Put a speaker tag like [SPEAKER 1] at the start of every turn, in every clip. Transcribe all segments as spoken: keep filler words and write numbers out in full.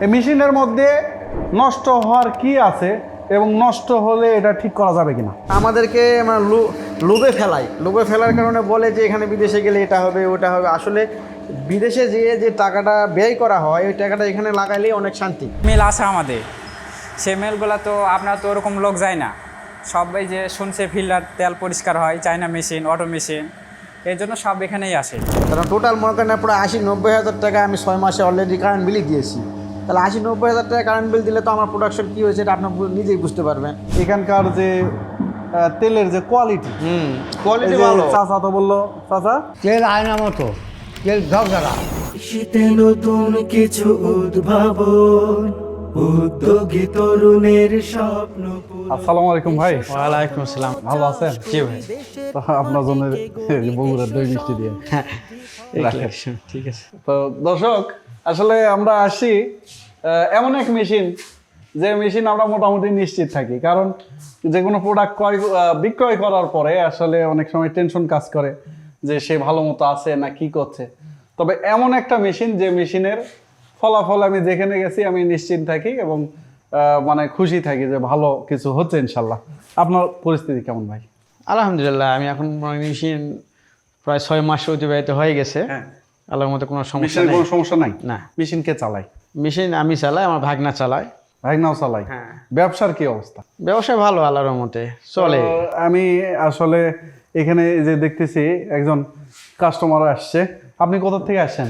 [SPEAKER 1] এই মেশিনের মধ্যে নষ্ট হওয়ার কি আছে এবং নষ্ট হলে এটা ঠিক করা যাবে কিনা?
[SPEAKER 2] আমাদেরকে মানে লোভে ফেলায়, লোভে ফেলার কারণে বলে যে এখানে বিদেশে গেলে এটা হবে ওটা হবে। আসলে বিদেশে যেয়ে যে টাকাটা ব্যয় করা হয় ওই টাকাটা এখানে লাগাইলেই অনেক শান্তি।
[SPEAKER 3] মিল আছে আমাদের, সে মিলগুলো তো আপনার তো ওরকম লোক যায় না, সবাই যে শুনছে ফিল্টার তেল পরিষ্কার হয়, চায়না মেশিন, অটো মেশিন, এই জন্য সব এখানেই আসে।
[SPEAKER 2] কারণ টোটাল মনে করেন প্রায় আশি নব্বই হাজার টাকা আমি ছয় মাসে অলরেডি কারেন্ট বিলই দিয়েছি। তাহলে আশি নব্বই হাজার টাকা কারেন্ট বিল দিলে তো আমার প্রোডাকশন কী হয়েছে এটা আপনার নিজেই বুঝতে পারবেন।
[SPEAKER 1] এখানকার যে আহ, তেলের যে কোয়ালিটি,
[SPEAKER 2] হুম কোয়ালিটি
[SPEAKER 1] এই যে
[SPEAKER 2] ভালো।
[SPEAKER 1] চাচা তো বললো, চাচা
[SPEAKER 4] তেল আয়না মতো, তেল ঝকঝকা।
[SPEAKER 5] শীতে নতুন কিছু উদ্ভাবন, উদ্যোগী তরুণের স্বপ্ন।
[SPEAKER 1] আসসালামু আলাইকুম ভাই।
[SPEAKER 2] ওয়ালাইকুম আসসালাম।
[SPEAKER 1] ভালো আছেন?
[SPEAKER 2] জি ভাই।
[SPEAKER 1] তো আপনার জন্য বগুড়ার দই মিষ্টি দিয়ে
[SPEAKER 2] ঠিক আছে।
[SPEAKER 1] তো দর্শক, আসলে আমরা আসি আহ, এমন এক মেশিন, যে মেশিন আমরা মোটামুটি নিশ্চিত থাকি, কারণ যে কোনো প্রোডাক্ট ক্রয় আহ, বিক্রয় করার পরে আসলে অনেক সময় টেনশন কাজ করে যে সে ভালো মতো আছে না কি করছে। তবে এমন একটা মেশিন, যে মেশিনের ফলাফল আমি যেখানে গেছি আমি নিশ্চিত থাকি এবং আহ, মানে খুশি থাকি যে ভালো কিছু হচ্ছে ইনশাল্লাহ। আপনার পরিস্থিতি কেমন ভাই?
[SPEAKER 2] আলহামদুলিল্লাহ, আমি এখন মেশিন প্রায় ছয় মাস অতিবাহিত হয়ে গেছে।
[SPEAKER 1] হ্যাঁ,
[SPEAKER 2] আল্লাহর মতো কোনো সমস্যা
[SPEAKER 1] মেশিনের
[SPEAKER 2] নেই।
[SPEAKER 1] কোনো সমস্যা নাই?
[SPEAKER 2] না।
[SPEAKER 1] মেশিন কে চালায়?
[SPEAKER 2] মেশিন আমি চালাই, আমার ভাগনা চালায়।
[SPEAKER 1] ভাগনাও চালাই?
[SPEAKER 2] হ্যাঁ।
[SPEAKER 1] ব্যবসার কি অবস্থা?
[SPEAKER 2] ব্যবসা ভালো আল্লাহর মতে চলে।
[SPEAKER 1] তো আমি আসলে এখানে যে দেখতেছি একজন কাস্টমার আসছে। আপনি কোথা থেকে আসছেন?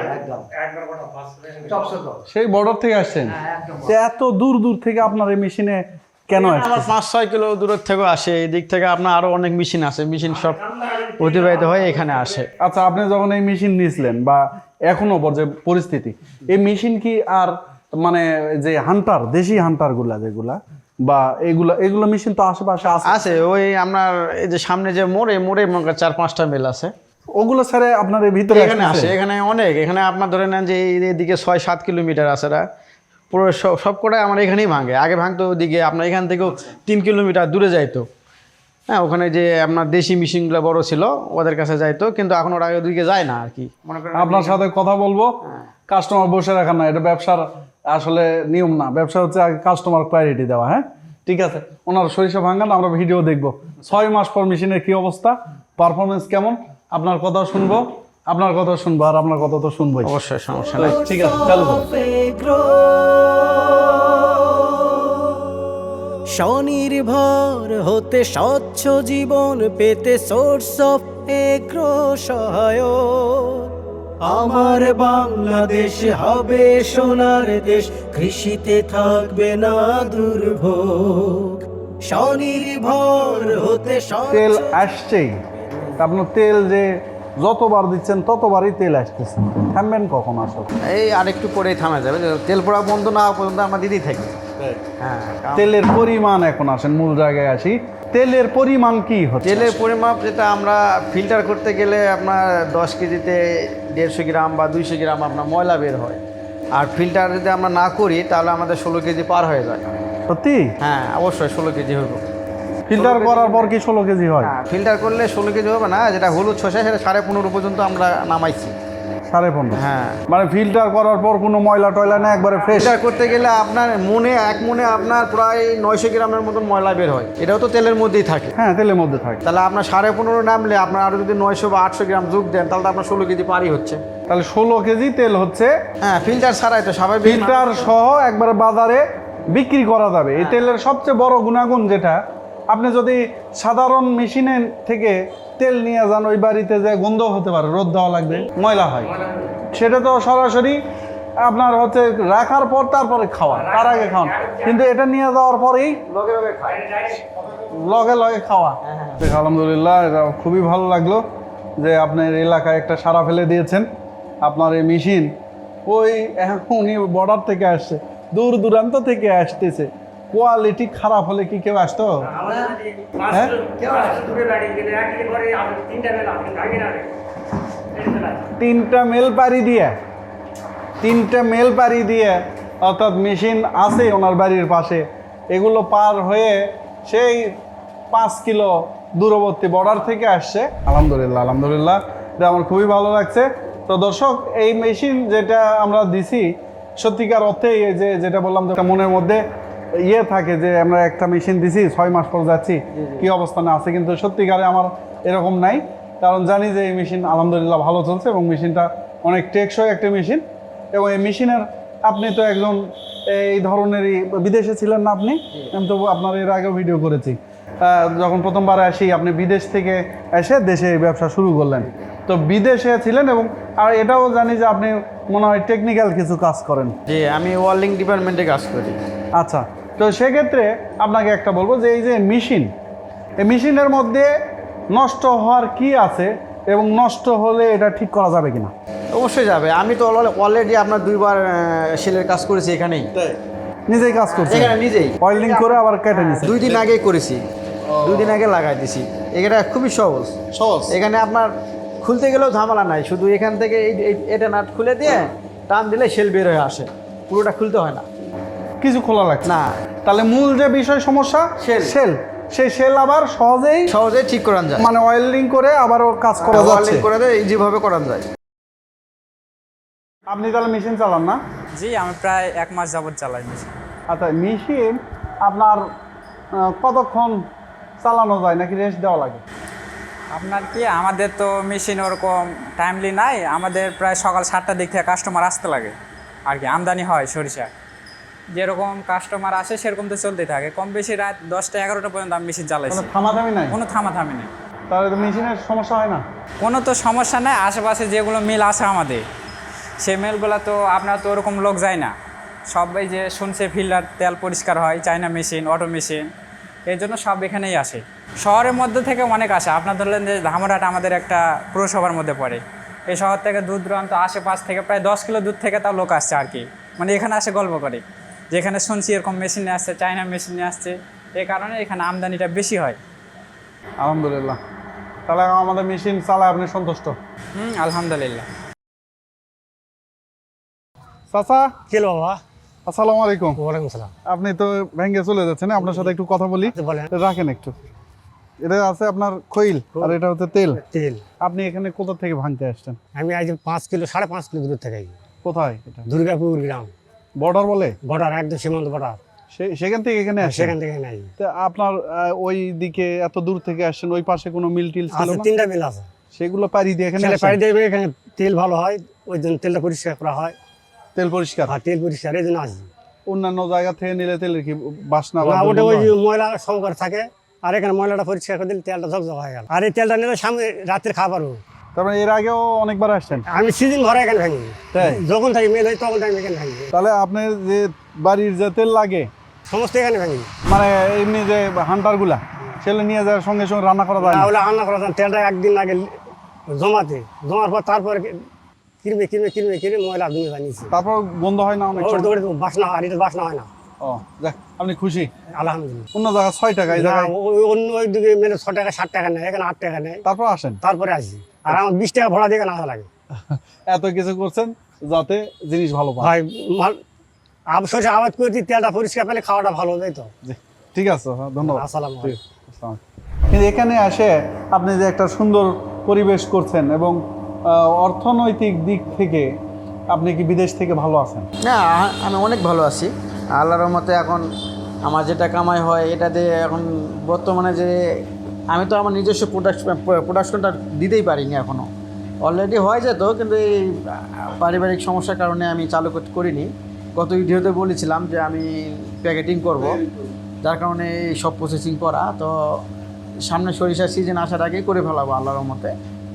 [SPEAKER 1] সেই বর্ডার থেকে আসছেন? তো এত দূর দূর থেকে আপনার এই মেশিনে কেন
[SPEAKER 2] আমার
[SPEAKER 1] আসছেন?
[SPEAKER 2] পাঁচ ছয় কিলো দূরের থেকেও আসে, এই দিক থেকে আপনার আরো অনেক মেশিন আছে, মেশিন সব অতিবাহিত হয়ে এখানে আসে।
[SPEAKER 1] আচ্ছা, আপনি যখন এই মেশিন নিয়েছিলেন বা এখনো যে পরিস্থিতি, এই মেশিন কি আর মানে যে হান্টার, দেশি হান্টার গুলা যেগুলা বা এগুলা এগুলো মেশিন তো আশেপাশে আছে?
[SPEAKER 2] আছে ওই আপনার এই যে সামনে যে মোড়ে মোড়ে মনে করেন চার পাঁচটা মিল আছে,
[SPEAKER 1] ওগুলো ছেড়ে আপনার এই ভিতরে
[SPEAKER 2] এখানে
[SPEAKER 1] আসতেছে?
[SPEAKER 2] আসে। এখানে অনেক, এখানে আপনার ধরে নেন যে এই- এইদিকে ছয় সাত কিলোমিটার আছে, এরা পুরো সব সব কটাই আমার এখানেই ভাঙে। আগে ভাঙতো ওদিকে আপনার এখান থেকেও তিন কিলোমিটার দূরে যাইতো। হ্যাঁ, ওখানে যে আপনার দেশি মেশিনগুলো বড় ছিল ওদের কাছে যাইতো, কিন্তু এখন ওরা ওদিকে যায় না আর কি। মনে করেন
[SPEAKER 1] আপনার সাথে কথা বলবো, কাস্টমার বসে রাখা না, এটা ব্যবসার আসলে নিয়ম না। ব্যবসা হচ্ছে আগে কাস্টমার প্রায়োরিটি দেওয়া। হ্যাঁ, ঠিক আছে। ওনার সরিষা ভাঙান, আমরা ভিডিও দেখবো ছয় মাস পর মেশিনের কি অবস্থা, পারফরমেন্স কেমন, আপনার কথা শুনবো, আপনার কথা শুনবো আর আপনার কথা তো শুনবোই।
[SPEAKER 2] অবশ্যই সমস্যা নেই।
[SPEAKER 1] ঠিক আছে, চালু করুন।
[SPEAKER 5] স্বনির্ভর হতে স্বচ্ছ জীবন পেতে সোর্স অফ এগ্রো সহায়ক। আমার বাংলাদেশ হবে সোনার দেশ, কৃষিতে থাকবে না দুর্ভোগ। স্বনির্ভর হতে
[SPEAKER 1] তেল
[SPEAKER 5] স্বচ্ছ
[SPEAKER 1] আসছেই, তা আপনার তেল যে যতবার দিচ্ছেন ততবারই তেল আসতেছে, থামবেন কখন আসলে?
[SPEAKER 2] এই আরেকটু পরেই থামা যাবে, তেল পড়া বন্ধ না হওয়া পর্যন্ত আমরা দিতেই থাকি। হ্যাঁ, কারণ
[SPEAKER 1] তেলের পরিমাণ, এখন আসেন মূল জায়গায় আসি, তেলের পরিমাণ কি হচ্ছে?
[SPEAKER 2] তেলের পরিমাপ যেটা আমরা ফিল্টার করতে গেলে আপনার দশ কেজিতে দেড়শো গ্রাম বা দুইশো গ্রাম আপনার ময়লা বের হয়। আর ফিল্টার যদি আমরা না করি তাহলে আমাদের ষোলো কেজি পার হয়ে যায়।
[SPEAKER 1] সত্যি?
[SPEAKER 2] হ্যাঁ অবশ্যই ষোলো কেজি হইব।
[SPEAKER 1] ফিল্টার করার পর কি ষোলো কেজি হয়?
[SPEAKER 2] হ্যাঁ, ফিল্টার করলে ষোলো কেজি হবে না, যেটা হলুদ শসা সেটা সাড়ে পনেরো পর্যন্ত আমরা নামাইছি।
[SPEAKER 1] সাড়ে পনেরো?
[SPEAKER 2] হ্যাঁ,
[SPEAKER 1] মানে ফিল্টার করার পর কোনো ময়লা টয়লা না, একবারে ফ্রেশ?
[SPEAKER 2] ফিল্টার করতে গেলে আপনার মনে এক মনে আপনার প্রায় নয়শো গ্রামের মতন ময়লা বের হয়, এটাও তো তেলের মধ্যেই থাকে।
[SPEAKER 1] হ্যাঁ, তেলের মধ্যে থাকে।
[SPEAKER 2] তাহলে আপনার সাড়ে পনেরো নামলে আপনার আরও যদি নয়শো বা আটশো গ্রাম যোগ দেন তাহলে তো আপনার ষোলো কেজি পারই হচ্ছে।
[SPEAKER 1] তাহলে ষোলো কেজি তেল হচ্ছে
[SPEAKER 2] হ্যাঁ, ফিল্টার ছাড়াই তো স্বাভাবিক।
[SPEAKER 1] ফিল্টার সহ একবারে বাজারে বিক্রি করা যাবে। এই তেলের সবচেয়ে বড় গুণাগুণ যেটা, আপনি যদি সাধারণ মেশিনের থেকে তেল নিয়ে যান, ওই বাড়িতে যে গন্ধ হতে পারে, রোদ দেওয়া লাগবে, ময়লা হয়, সেটা তো সরাসরি আপনার হচ্ছে রাখার পর তারপরে খাওয়া, তার আগে খাওয়ান। কিন্তু এটা নিয়ে যাওয়ার পরেই লগে লগে খাওয়া। দেখ, আলহামদুলিল্লাহ, এটা খুবই ভালো লাগলো যে আপনার এলাকায় একটা সাড়া ফেলে দিয়েছেন। আপনার এই মেশিন ওই উনি বর্ডার থেকে আসছে, দূর দূরান্ত থেকে আসতেছে, কোয়ালিটি খারাপ হলে কি কেউ আসতো? হ্যাঁ, তিনটা মেল পাড়ি দিয়ে তিনটা মেল পাড়ি দিয়ে অর্থাৎ মেশিন আছে ওনার বাড়ির পাশে, এগুলো পার হয়ে সেই পাঁচ কিলো দূরবর্তী বর্ডার থেকে আসছে। আলহামদুলিল্লাহ, আলহামদুলিল্লাহ, এটা আমার খুবই ভালো লাগছে। তো দর্শক, এই মেশিন যেটা আমরা দিছি, সত্যিকার অর্থে এই যে যেটা বললাম যে একটা মনের মধ্যে ইয়ে থাকে যে আমরা একটা মেশিন দিছি ছয় মাস পর যাচ্ছি কি অবস্থানে আছে, কিন্তু সত্যিকারে আমার এরকম নাই। কারণ জানি যে এই মেশিন আলহামদুলিল্লাহ ভালো চলছে এবং মেশিনটা অনেক টেকসই একটা মেশিন। এবং এই মেশিনের আপনি তো একজন এই ধরনেরই বিদেশে ছিলেন না আপনি? আমি তো আপনার এর আগেও ভিডিও করেছি। আহ, যখন প্রথমবার আসি আপনি বিদেশ থেকে এসে দেশে এই ব্যবসা শুরু করলেন, তো বিদেশে ছিলেন এবং আর এটাও জানি যে আপনি মনে হয় টেকনিক্যাল কিছু কাজ করেন।
[SPEAKER 2] যে আমি ওয়েল্ডিং ডিপার্টমেন্টে কাজ করি।
[SPEAKER 1] আচ্ছা, তো সেক্ষেত্রে আপনাকে একটা বলবো যে এই যে মেশিন, এই মেশিনের মধ্যে নষ্ট হওয়ার কি আছে এবং নষ্ট হলে এটা ঠিক করা যাবে কিনা?
[SPEAKER 2] অবশ্যই যাবে। আমি তো অলরেডি আপনার দুইবার সেলের কাজ করেছি এখানেই,
[SPEAKER 1] নিজেই কাজ করছে
[SPEAKER 2] এখানে নিজেই
[SPEAKER 1] অয়েলিং করে আবার কেটে নিচ্ছে।
[SPEAKER 2] দুই দিন আগেই করেছি, দুই দিন আগে লাগাই দিছি। এটা খুবই সহজ
[SPEAKER 1] সহজ।
[SPEAKER 2] এখানে আপনার খুলতে গেলেও ঝামেলা নাই, শুধু এখান থেকে এই এই- এটা নাট খুলে দিয়ে টান দিলে সেল বের হয়ে আসে, পুরোটা খুলতে হয় না।
[SPEAKER 1] কিছু খোলা লাগছে
[SPEAKER 2] না,
[SPEAKER 1] তাহলে মূল যে বিষয় সমস্যা
[SPEAKER 2] Shell।
[SPEAKER 1] সেল, সেই সেল আবার সহজেই
[SPEAKER 2] সহজেই ঠিক করান যায়,
[SPEAKER 1] মানে অয়েলিং করে আবারও কাজ করা যাচ্ছে।
[SPEAKER 2] ওয়েল্ডিং করে দেয় ইজিভাবে করান যায়।
[SPEAKER 1] আপনি তাহলে মেশিন চালান না?
[SPEAKER 3] জি, আমি প্রায় এক মাস যাবত চালাই মেশিন।
[SPEAKER 1] আচ্ছা, মেশিন আপনার আহ, কতক্ষণ চালানো যায় নাকি রেস্ট দেওয়া লাগে?
[SPEAKER 3] আপনার কি, আমাদের তো মেশিন ওরকম টাইমলি নাই, আমাদের প্রায় সকাল সাতটার দিক থেকে কাস্টমার আসতে লাগে আর কি, আমদানি হয় সরিষা। যেরকম কাস্টমার আসে সেরকম তো চলতেই থাকে, কম বেশি রাত দশটা এগারোটা পর্যন্ত আমি মেশিন চালাইছি,
[SPEAKER 1] কোনো থামাথামি নাই?
[SPEAKER 3] কোনো থামাথামি নেই।
[SPEAKER 1] তাহলে তো মেশিনের সমস্যা হয় না?
[SPEAKER 3] কোনো তো সমস্যা নেই। আশেপাশে যেগুলো মিল আছে আমাদের, সেই মিলগুলো তো আপনার তো ওরকম লোক যায় না, সবাই যে শুনছে ফিল্টার তেল পরিষ্কার হয়, চায়না মেশিন, অটো মেশিন, এই জন্য সব এখানেই আসে। শহরের মধ্যে থেকে অনেক আসে। আপনার ধরলেন যে ধামরাট আমাদের একটা পুরসভার মধ্যে পড়ে, এই শহর থেকে দূর দূরান্ত আশেপাশ থেকে প্রায় দশ কিলো দূর থেকে তাও লোক আসছে আর কি, মানে এখানে আসে গল্প করে, যেখানে শুনছি এরকম মেশিনে আসছে, চায়না মেশিনে আসছে, এই কারণে এখানে আমদানিটা বেশি হয়।
[SPEAKER 1] আলহামদুলিল্লাহ, তাহলে আমাদের মেশিন চালায় আপনি সন্তুষ্ট?
[SPEAKER 3] হুম, আলহামদুলিল্লাহ।
[SPEAKER 1] চাচা,
[SPEAKER 4] কে বাবা?
[SPEAKER 1] আসসালামু আলাইকুম।
[SPEAKER 4] ওয়ালাইকুম সালাম।
[SPEAKER 1] আপনি তো ভেঙ্গে চলে যাচ্ছেন, আপনার সাথে একটু কথা বলি।
[SPEAKER 4] বলেন।
[SPEAKER 1] রাখেন একটু। এটা আছে আপনার খৈল আর এটা হচ্ছে তেল।
[SPEAKER 4] তেল।
[SPEAKER 1] আপনি এখানে কোথা থেকে ভাঙতে আসছেন?
[SPEAKER 4] আমি আজ পাঁচ কিলো সাড়ে পাঁচ কিলো দূর থেকে আইছি।
[SPEAKER 1] কোথায় এটা?
[SPEAKER 4] দুর্গাপুর গ্রাম,
[SPEAKER 1] বর্ডার বলে?
[SPEAKER 4] বর্ডার, একদম সীমান্ত বর্ডার।
[SPEAKER 1] সে- সেখান থেকে এখানে আসছেন?
[SPEAKER 4] সেখান থেকে নাই
[SPEAKER 1] তা আপনার আহ, ওই দিকে এত দূর থেকে আসছেন, ওই পাশে কোনো মিল টিল ছিল
[SPEAKER 4] আছে,
[SPEAKER 1] না?
[SPEAKER 4] তিনটা মিল আছে।
[SPEAKER 1] সেগুলো পাড়ি দিয়ে এখানে
[SPEAKER 4] ছেলে
[SPEAKER 1] আসেন?
[SPEAKER 4] পাড়ি দেবে, এখানে তেল ভালো হয়, ওই জন্য তেলটা পরিষ্কার করা হয়।
[SPEAKER 1] তেল পরিষ্কার?
[SPEAKER 4] আর তেল পরিষ্কার এই জন্য আসি।
[SPEAKER 1] অন্যান্য জায়গা থেকে নিলে তেলের কি বাসনা বা
[SPEAKER 4] না, ওটা
[SPEAKER 1] দুর্গন্ধ
[SPEAKER 4] ওই যে
[SPEAKER 1] হয়?
[SPEAKER 4] ময়লা সংকর থাকে, আর এখানে ময়লাটা পরিষ্কার করে দিলে তেলটা ঝকঝক হয়ে গেল। আর এই তেলটা নিলে সামনে রাতের খাবার।
[SPEAKER 1] তারপরে এর আগেও অনেকবার আসছেন?
[SPEAKER 4] আমি সিজন ভরা এখানে ভাঙি,
[SPEAKER 1] তাই?
[SPEAKER 4] যখন থাকি মেল হয় তখন আমি এখানে ভাঙি,
[SPEAKER 1] তাহলে আপনার যে বাড়ির যে তেল লাগে
[SPEAKER 4] সমস্ত এখানে ভাঙি।
[SPEAKER 1] মানে এমনি যে হান্টার গুলা সেগুলো নিয়ে যাওয়ার সঙ্গে সঙ্গে রান্না করা যায় না?
[SPEAKER 4] তাহলে রান্না করা যায় না, তেলটা একদিন লাগে জমাতে, জমার পর তারপরে কিরমে কিরমে কিরমে কিরমে ময়লা ধুয়ে জানিয়েছি,
[SPEAKER 1] তারপর গন্ধ হয় না অনেক
[SPEAKER 4] ওর
[SPEAKER 1] সময়?
[SPEAKER 4] দৌড়ে বাসনা হয়, আর এটা বাসনা হয় না।
[SPEAKER 1] ও যাক, আপনি খুশি?
[SPEAKER 4] আলহামদুলিল্লাহ।
[SPEAKER 1] অন্য জায়গায় ছয় টাকা, এই
[SPEAKER 4] না,
[SPEAKER 1] জায়গায়
[SPEAKER 4] ওই- অন্য ওই দিকে মেলে ছ টাকা ষাট টাকা নেয়, এখানে আট টাকা নেয়,
[SPEAKER 1] তারপর আসেন?
[SPEAKER 4] তারপরে আসি। আর আমার বিশ টাকা ভরা দিয়ে এখানে আসা লাগে।
[SPEAKER 1] এত কিছু করছেন যাতে জিনিস ভালো পান।
[SPEAKER 4] ভাই সরষে আবাদ করেছি, তেলটা পরিষ্কার পেলে খাওয়াটা ভালো হবে তো।
[SPEAKER 1] জি, ঠিক আছে, হ্যাঁ, ধন্যবাদ।
[SPEAKER 4] আসসালামু আলাইকুম।
[SPEAKER 1] ঠিক আছে, আসসালামু আলাইকুম। কিন্তু এখানে এসে আপনি যে একটা সুন্দর পরিবেশ করছেন এবং আহ, অর্থনৈতিক দিক থেকে আপনি কি বিদেশ থেকে ভালো আছেন?
[SPEAKER 2] না, আমি অনেক ভালো আছি আল্লাহর রহমতে। এখন আমার যেটা কামাই হয় এটা দিয়ে এখন বর্তমানে যে আমি তো আমার নিজস্ব প্রোডাকশন প্রোডাকশনটা দিতেই পারিনি এখনও। অলরেডি হয়ে যেত, কিন্তু এই পারিবারিক সমস্যার কারণে আমি চালু করতে করিনি। গত ভিডিওতে বলেছিলাম যে আমি প্যাকেটিং করব, যার কারণে এই সব প্রসেসিং করা। তো সামনে সরিষার সিজন আসার আগেই করে ফেলাবো আল্লাহর রহমতে।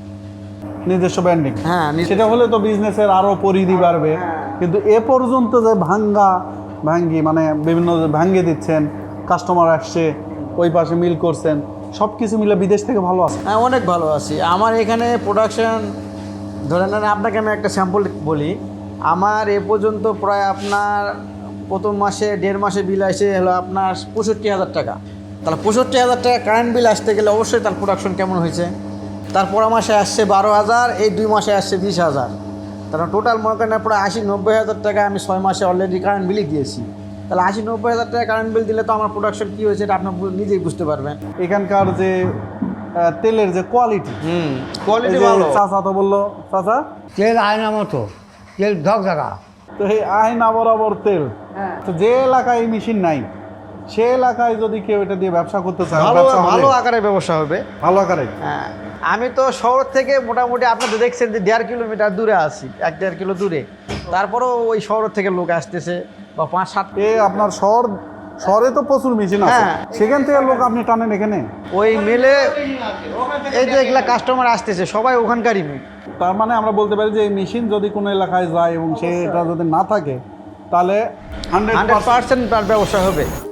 [SPEAKER 1] নিজস্ব ব্র্যান্ডিং,
[SPEAKER 2] হ্যাঁ, নিজ-
[SPEAKER 1] সেটা হলে তো বিজনেসের আরো পরিধি বাড়বে। কিন্তু এ পর্যন্ত যে ভাঙ্গা ভাঙ্গি মানে বিভিন্ন যে ভাঙ্গে দিচ্ছেন, কাস্টমার আসছে, ওই পাশে মিল করছেন, সব কিছু মিলে বিদেশ থেকে ভালো আছে।
[SPEAKER 2] হ্যাঁ, অনেক ভালো আছি। আমার এখানে প্রোডাকশন ধরে নেন, আপনাকে আমি একটা স্যাম্পল বলি। আমার এ পর্যন্ত প্রায় আপনার প্রথম মাসে দেড় মাসে বিল আসে হলো আপনার পঁয়ষট্টি হাজার টাকা। তাহলে পঁয়ষট্টি হাজার টাকা কারেন্ট বিল আসতে গেলে অবশ্যই তার প্রোডাকশন কেমন হয়েছে। তারপর মাসে আসছে বারো হাজার, এই দুই মাসে আসছে বিশ হাজার। তাহলে টোটাল মনে করেন প্রায় আশি নব্বই হাজার টাকা আমি ছয় মাসে অলরেডি কারেন্ট বিলই দিয়েছি। তাহলে আশি নব্বই হাজার টাকা কারেন্ট বিল দিলে তো আমার প্রোডাকশন কী হয়েছে এটা আপনি নিজেই বুঝতে পারবেন।
[SPEAKER 1] এখানকার যে আহ, তেলের যে কোয়ালিটি,
[SPEAKER 2] হুম, কোয়ালিটি ভালো।
[SPEAKER 1] চাচা তো বললো, চাচা
[SPEAKER 4] তেল আয়না মতো, তেল ঝকঝকা।
[SPEAKER 1] তো এই আয়না বরাবর তেল, তো যে এলাকায় এই মেশিন নাই সে এলাকায় যদি কেউ এটা দিয়ে ব্যবসা করতে চায়,
[SPEAKER 2] ভালো
[SPEAKER 1] ব্যবসা হবে?
[SPEAKER 2] ভালো আকারে ব্যবসা হবে।
[SPEAKER 1] ভালো আকারে।
[SPEAKER 2] হ্যাঁ, আমি তো শহর থেকে মোটামুটি আপনি তো দেখছেন যে দেড় কিলোমিটার দূরে আছি, এক দেড় কিলো দূরে, তারপরেও ওই শহর থেকে লোক আসতেছে বা পাঁচ সাত,
[SPEAKER 1] এ আপনার শহর, শহরে তো প্রচুর মেশিন আছে,
[SPEAKER 2] হ্যাঁ।
[SPEAKER 1] সেখান থেকে লোক আপনি টানেন এখানে।
[SPEAKER 2] ওই মেলে এই যে এগুলা কাস্টমার আসতেছে সবাই ওখানকারই মেয়ে।
[SPEAKER 1] তার মানে আমরা বলতে পারি যে এই মেশিন যদি কোনো এলাকায় যায় এবং সেটা যদি না থাকে তাহলে হান্ড্রেড
[SPEAKER 2] হান্ড্রেড পার্সেন্ট তার ব্যবসা হবে।